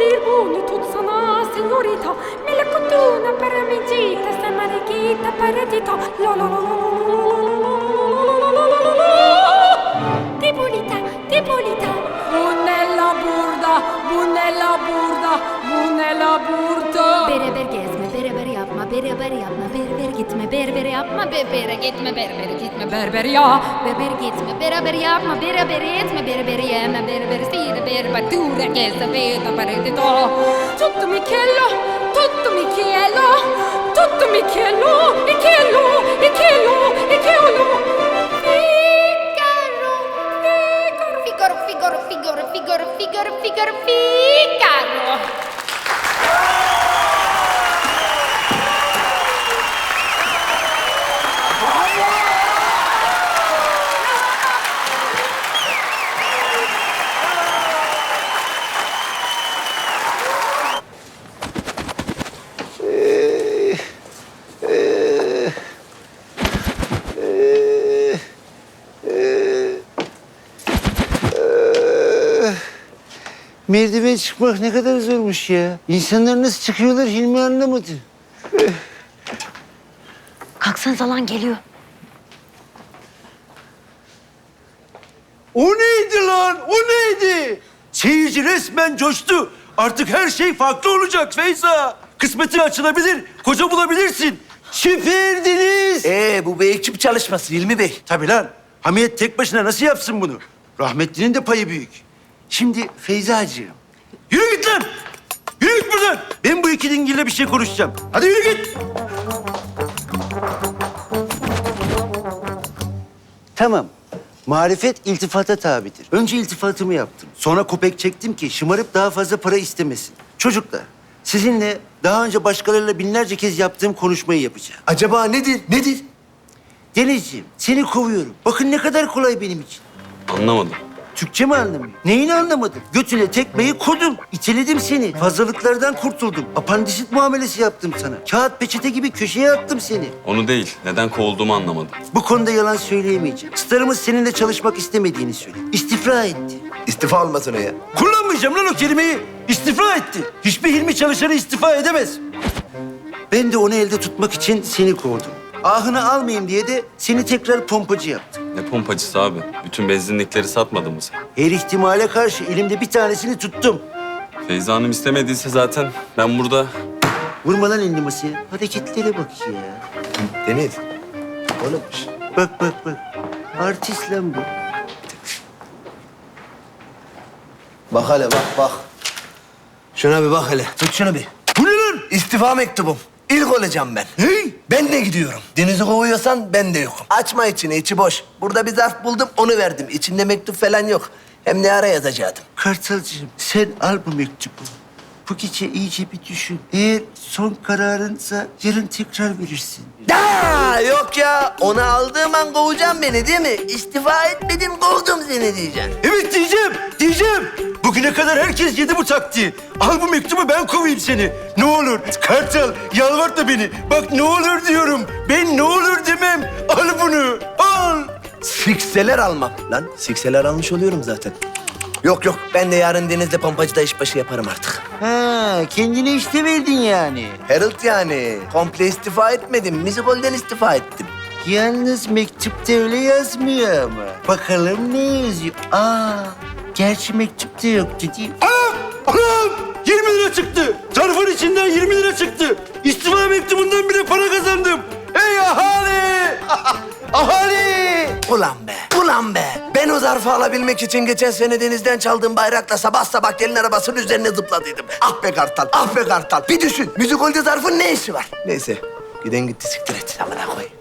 dir bunu tutsana, signorita. Melocotona paramegita, sta marichita paradito. La la la la la la la la. Debolita, debolita. Bunella burda, bunella burda, bunella burda. Beraber gezme, beraber yapma, beraber yapma, berber gitme, berber yapma, berbere gitme, berber gitme, berber ya. Berber gitme, beraber yapma, beraber etme, berber yeme, berber stile, berber tura, gesa, veta, paredito. Tutto Michello, tutto Michello, tutto Michello, Michello, Michello, Michello. Figaro, Figaro, Figaro, Figaro, Figaro, Figaro, Figaro. Merdiven çıkmak ne kadar zormuş ya. İnsanlar nasıl çıkıyorlar Hilmi anlamadı. Kalksanıza lan geliyor. O neydi lan? O neydi? Seyirci resmen coştu. Artık her şey farklı olacak Feyza. Kısmetin açılabilir, koca bulabilirsin. Süperdiniz. Bu bir ekip çalışması Hilmi Bey. Tabii lan. Hamiyet tek başına nasıl yapsın bunu? Rahmetlinin de payı büyük. Şimdi Feyzacığım. Yürü git lan! Yürü git buradan! Ben bu iki dingille bir şey konuşacağım. Hadi yürü git! Tamam. Marifet iltifata tabidir. Önce iltifatımı yaptım. Sonra kopek çektim ki şımarıp daha fazla para istemesin. Çocuklar, sizinle daha önce başkalarıyla binlerce kez yaptığım konuşmayı yapacağım. Acaba nedir? Nedir? Denizciğim, seni kovuyorum. Bakın ne kadar kolay benim için. Anlamadım. Türkçe mi anlamıyor? Neyini anlamadın? Götüne tekmeyi kodum. İteledim seni. Fazlalıklardan kurtuldum. Apandisit muamelesi yaptım sana. Kağıt peçete gibi köşeye attım seni. Onu değil, neden kovulduğumu anlamadım. Bu konuda yalan söyleyemeyeceğim. Starımız seninle çalışmak istemediğini söyledi. İstifra etti. İstifa olmasın o ya. Kullanmayacağım lan o kelimeyi. İstifra etti. Hiçbir Hilmi çalışanı istifa edemez. Ben de onu elde tutmak için seni kovdum. Ahını almayayım diye de seni tekrar pompacı yaptım. Ne pompacısı abi? Bütün benzinlikleri satmadın mı sen? Her ihtimale karşı elimde bir tanesini tuttum. Feyza Hanım istemediyse zaten ben burada... Vurma lan elini masaya. Hareketlere bak ya. Deniz. Oğlummuş. Bak bak bak. Artist lan bu. Bak hele bak. Şuna bir bak hele. Tut şunu bir. Bu ne lan? İstifa mektubum. İlk olacağım ben. Hey! Ben de gidiyorum. Deniz'i kovuyorsan ben de yokum. Açma içini, içi boş. Burada bir zarf buldum, onu verdim. İçinde mektup falan yok. Hem ne ara yazacaktım. Kartalcığım sen al bu mektubu. Bu gece iyice bir düşün. Eğer son kararınsa yarın tekrar verirsin. Yok ya. Onu aldığım an kovacaksın beni değil mi? İstifa etmedin, kovdum seni diyeceksin. Evet diyeceğim. Bugüne kadar herkes yedi bu taktiği. Al bu mektubu ben kovayım seni. Ne olur Kartal yalvartma beni. Bak ne olur diyorum. Ben ne olur demem. Al bunu al. Sikseler almam. Lan sikseler almış oluyorum zaten. Yok. Ben de yarın Deniz'le pompacıda işbaşı yaparım artık. Ha kendine işte verdin yani. Harold yani. Komple istifa etmedim. Müzikolden istifa ettim. Yalnız mektupta öyle yazmıyor ama. Bakalım ne yazıyor? Gerçi mektupta yoktu değil mi? Anam! 20 lira çıktı. Zarfın içinden 20 lira çıktı. İstifa mektubundan bile para kazandım. Ey ahali! Ahali! Ulan be. Ben o zarfı alabilmek için geçen sene Deniz'den çaldığım bayrakla sabah sabah gelin arabasının üzerine zıpladıydım. Ah be Kartal. Bir düşün. Müzikolde zarfın ne işi var? Neyse. Giden gitti siktir et. Amına koy.